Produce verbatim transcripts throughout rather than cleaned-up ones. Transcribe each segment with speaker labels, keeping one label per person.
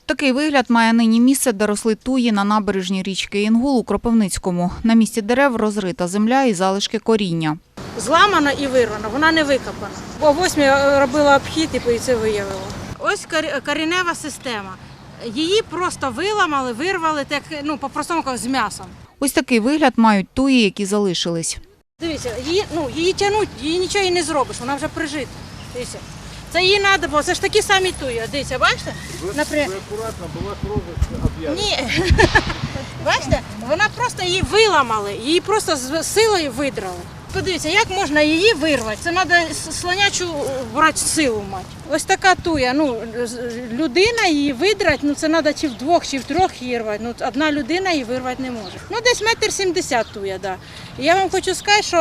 Speaker 1: Такий вигляд має нині місце, де росли туї на набережній річки Інгул у Кропивницькому. На місці дерев розрита земля і залишки коріння.
Speaker 2: Зламана і вирвана, вона не викопана. О восьмій робила обхід і це виявила. Ось коренева система. Її просто виламали, вирвали, так, ну, по-простому кажуть, з м'ясом.
Speaker 1: Ось такий вигляд мають туї, які залишились.
Speaker 2: Дивіться, її, ну, її тягнуть, її нічого і не зробиш, вона вже прижита. Дивіться. Це їй треба, бо це ж такі самі туї. Дивіться, бачите? Наприклад...
Speaker 3: Ви акуратно, була кров об'язана.
Speaker 2: Ні, бачите, вона просто її виламали, її просто з силою видрали. Подивіться, як можна її вирвати? Це треба слонячу брати силу мати. Ось така туя, ну, людина її видрати, ну це треба чи вдвох, чи втрьох її рвати. Ну, одна людина її вирвати не може. Ну, десь метр сімдесят туя, да. І я вам хочу сказати, що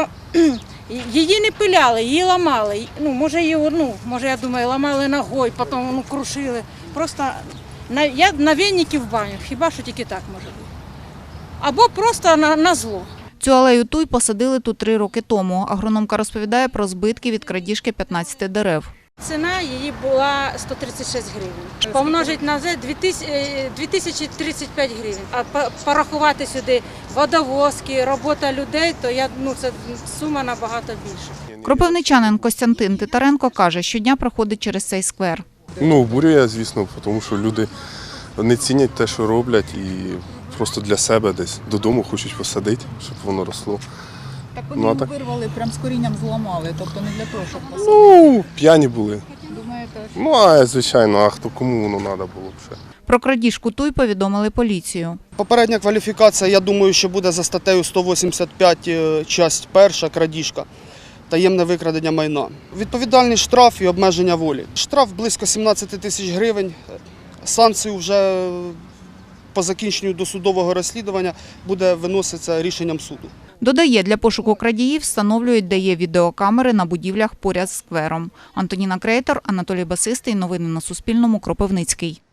Speaker 2: її не пиляли, її ламали. Ну, може, її, ну, може, я думаю, ламали ногою, потім ну, крушили. Просто на, я на вінники в баню, хіба що тільки так може бути. Або просто на, на зло.
Speaker 1: Цю алею туй посадили тут три роки тому. Агрономка розповідає про збитки від крадіжки п'ятнадцяти дерев.
Speaker 2: Ціна її була сто тридцять шість гривень. Помножить на це дві тисячі тридцять п'ять гривень. А порахувати сюди водовозки, робота людей, то я, ну, це сума набагато більша.
Speaker 1: Кропивничанин Костянтин Титаренко каже, щодня проходить через цей сквер.
Speaker 3: Ну, обурює, звісно, тому що люди не цінять те, що роблять, і просто для себе десь додому хочуть посадити, щоб воно росло.
Speaker 4: Так вони
Speaker 3: Ну, а так...
Speaker 4: вирвали, прям з корінням зламали, тобто не для того, щоб посадити.
Speaker 3: Ну, п'яні були.
Speaker 4: Думаєте?
Speaker 3: Ну, а звичайно, а хто кому воно треба було б ще.
Speaker 1: Про крадіжку туй повідомили поліцію.
Speaker 5: Попередня кваліфікація, я думаю, що буде за статтею сто вісімдесят п'ять, часть перша, крадіжка, таємне викрадення майна. Відповідальний штраф і обмеження волі. Штраф близько сімнадцять тисяч гривень, санкцію вже по закінченню досудового розслідування буде виноситися рішенням суду.
Speaker 1: Додає, для пошуку крадіїв встановлюють, де є відеокамери на будівлях поряд з сквером. Антоніна Крейтор, Анатолій Басистий. Новини на Суспільному. Кропивницький.